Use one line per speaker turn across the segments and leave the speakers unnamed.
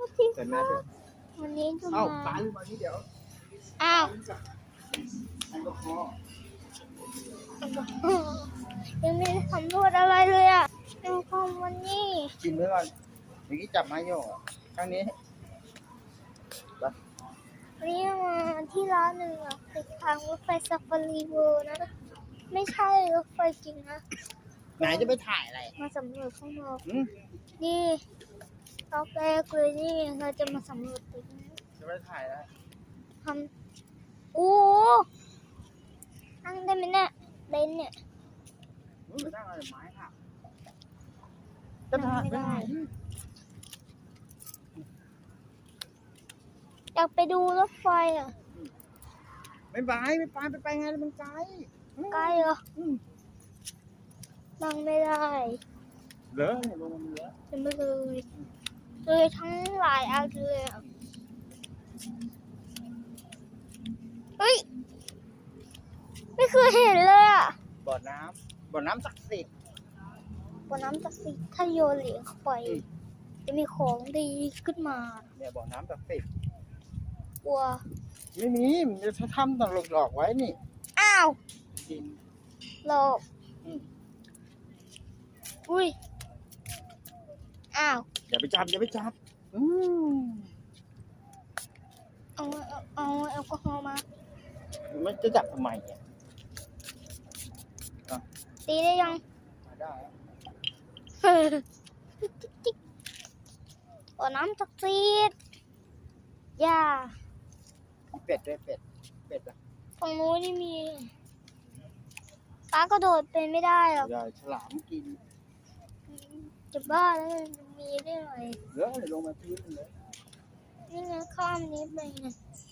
เกิดมาเถอะ
วันนี้จะ
เอ้า
มา
ปลาลืมมาที่เดี๋ยว
อ้าว
แอลกอฮอล์
ยังไม่ได้สำรวจอะไรเลยอ่ะดูข้อมวันนี้
กินไว้ก่อนเมื่อกี้จับไม้โยกอ่ะครั้งนี้ไป
วันนี้มาที่ร้านหนึ่งอ่ะติดทางรถไฟซาฟารีเวิลด์นะไม่ใช่รถไฟจริงนะ
ไหนจะไปถ่ายอะไร
มาสำรวจข้างนอก
อืม
นี่รอบแรกเลยนี่เราจะมาสำรวจตึกนะ
จะไปถ่ายอะไร
ทำโอ้โหนั่งได้ไหมเนี่ยเบนซ์เนี่ย
ไปนั่งอะไรไม้ค่ะจะถ่ายไม่ได้
อยากไปดูรถไฟอ่ะ
ไม่ไปไปไงมันไกล
ใกล้เหรอ
อืม
นั่งไม่ได้
เหลือเนี่ยลงมันเหลือ
ยังไม่เลยทั้งหลายอันเลยอะเฮ้ยไม่เคยเห็นเลยอ่ะ
บ่อน้ำศักดิ์สิทธิ์
บนน้ำศักดิ์สิทธิ์ถ้าโยนเหรียญเข้าไปจะมีของดีขึ้นมา
เนี่ยบ่อน้ำศักดิ์สิทธิ์
กลัว
ไม่มีมันจะทำต่างหลอกไว้นี่
อ้าว
กิน
หลอก
อืม
อุ้ยอ้าว
อย่าไปจับอืม
เอาแอลกอฮอล์มา
มันจะจับทำไมเนี่ย
ตีได้ยัง
ได้
บ่อน้ำศักดิ์สิทธิ์ย่า
เป็ดด้วยเป็ดอ่ะ
ฝั่งนู้นนี่มีป้ากระโดดเป็นไม่ได้หรอก
อย่าฉลามกิน
จะบ้าแล้วมันมีได้ไง
เหลือลงมาพื้นเลย
นี่ไงข้ามนี้ไปไง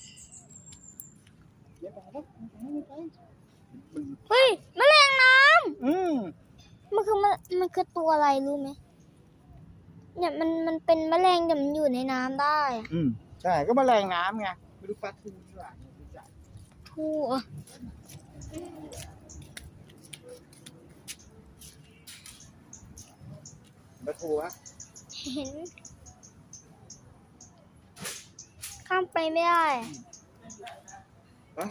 ไม่ไปแล้วไม่ไปมัน
เฮ้ยแมลงน้
อืม
ำมันคือตัวอะไรรู้ไหมเนี่ยมันเป็นแมลงแต่มันอยู่ในน้ำได้อะ
อืมใช่ก็แมลงน้ำไงไม่รู้ปลาทูหรือเปล่าไม่รู้จัก
ทั่ว
ปลาทูฮะ
เห็น ข้ามไปไม่ได้อะ
ปะ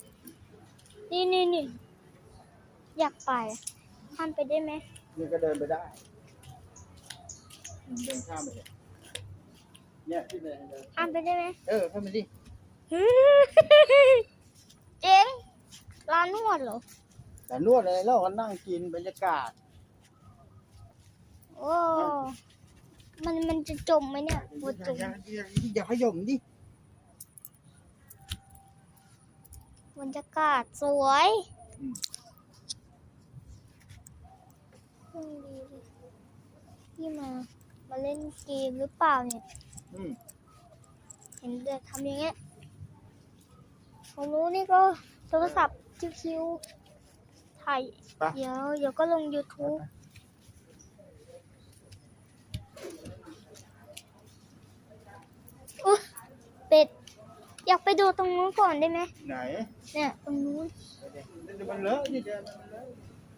นี่อยากไปข้ามไปได้ไหม
นี่ก็เดินไปได้เดินข้ามไปเลยเนี่ยที่เดิน
ข้ามไปได้ไหม
เข้ามาดิ
เจ๋งร้านนวดเหรอ
แต่นวดอะไรแล้วก็นั่งกินบรรยากาศ
โอ้มันจะจมไหมเนี่ยปวดจม
อย่าขย่มดิ
บรรยากาศสวยดีเลยที่มาเล่นเกมหรือเปล่าเนี่ย
อืม
เห็นเด็กทำอย่างเงี้ยผมรู้นี่ก็โทรศัพท์ชิวๆถ่าย
ไป
เดี๋ยวก็ลง YouTube อุ๊ยเป็ด อยากไปดูตรงนู้นก่อนได้ไหม
ไหน
เนี่ยตรงนู้น
เดี๋ยวมันเลอะนี่เดี๋ยวมันเลอะ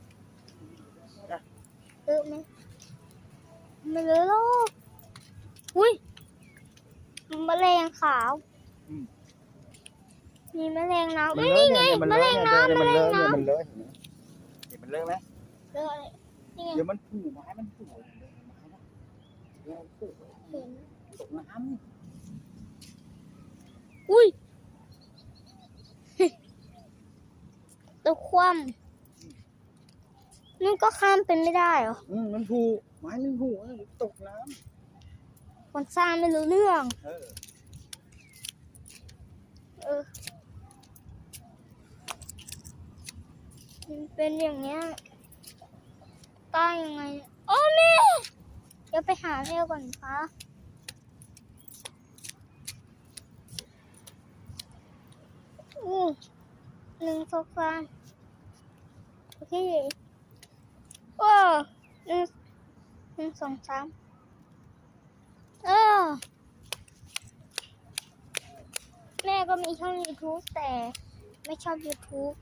เลอะไหมไม่เลอะหรอกอุ้ยแมลงขาว มีแมลงน้ำเอ้ยนี่ไงแมลงน้ำ
มันเลอะเนี่ยมันเลอะเห็นไหมมันเลอะไหม
เลอะอะไรนี่ไง
เดี๋ยวมันผูไม้มันผูเดี๋ยวผู
เห็น
ตกน้ำ
อุ้ย ตัวคว่ำนั่นก็ข้ามเป็นไม่ได้เหรอ
มันผูไม้มันผูตกน้
คนสร้างไม่รู้เรื่อง
ำ
เออมันเป็นอย่างเงี้ยใต้ยังไงเนี่ยโอ้แม่เดี๋ยวไปหาแม่ก่อนคะ1 2 3โอเคโอ้1 2 3แม่ก็มีช่อง YouTube แต่ไม่ชอบ YouTube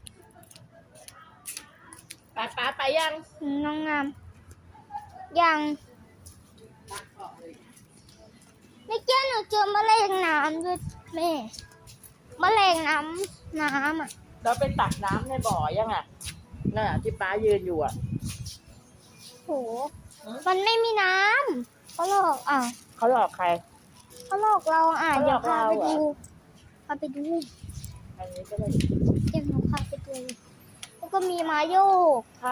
ไปยัง
น้องงามยังไม่เจ้าหนูเจอแมลงน้ำด้วยแม่แมลงน้ำอ่ะ
เราไปตักน้ำในบ่อยังอ่ะน่ะที่ป้ายืนอยู่อ่ะ
โหมันไม่มีน้ำเขาหลอกอ่ะ
เขาหลอกใคร
เขาหลอกเราอ่ะ
เขาหล
เดี๋ย
อ
ว
ก
พา
เรา
ไป
เหรอ
ดูพาไปดู
อันนี้ก็เลย
เดี๋ยวหนูพาไปดูแล้วก็มีมาโยก
ค่ะ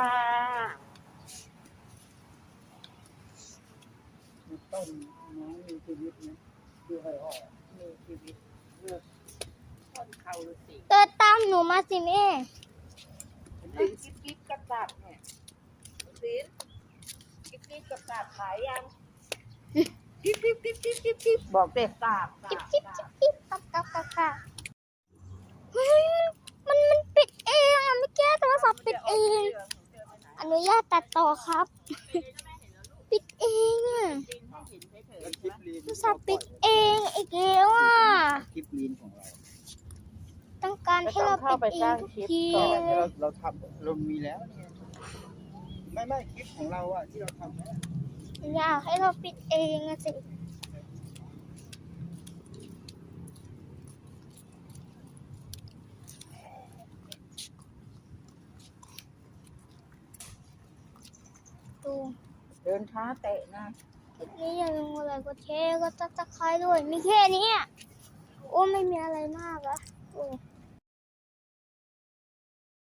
ต้นน้องมีชีวิตนะดูให้ออก
มีชีวิตเลือกต้นเขาฤาษี
เดินตามหนูมาสิแม่
ลิ้นกิ๊บกิ๊บกับตับเนี่ยลิ้นกิ๊บกิ๊บกับตับขายยังกิ๊บกิ๊บกิ๊บกิ๊บกิ๊บกิ๊บบอกเด็กตับ
จิ๊บจิ๊บจิ๊บจิ๊บกับเฮ้ยมันปิดเองอ่ะไม่แก้โทรศัพท์ปิดเอง อนุญาตตัดต่อครับ ปิดเองอ่ะ
แล้วคลิปลีน
โทรศัพท์ปิดเองอีกแล้วอ่ะ
คลิปลีนของเรา
ต้องการให้เราปิดเองทุกที
ก็
เลย
เราทำเรามีแล้วเนี่ยไม่คลิปของเราอะที่เราทำเนี่ย
อยากให้เราปิดเองอะสิดู
เดินช้าเตะนะ
คลิปนี้อย่าลืมกดไลค์กดแชร์กดซับสไครต์ด้วย มีแค่นี้อะโอ้ไม่มีอะไรมากอะโอ้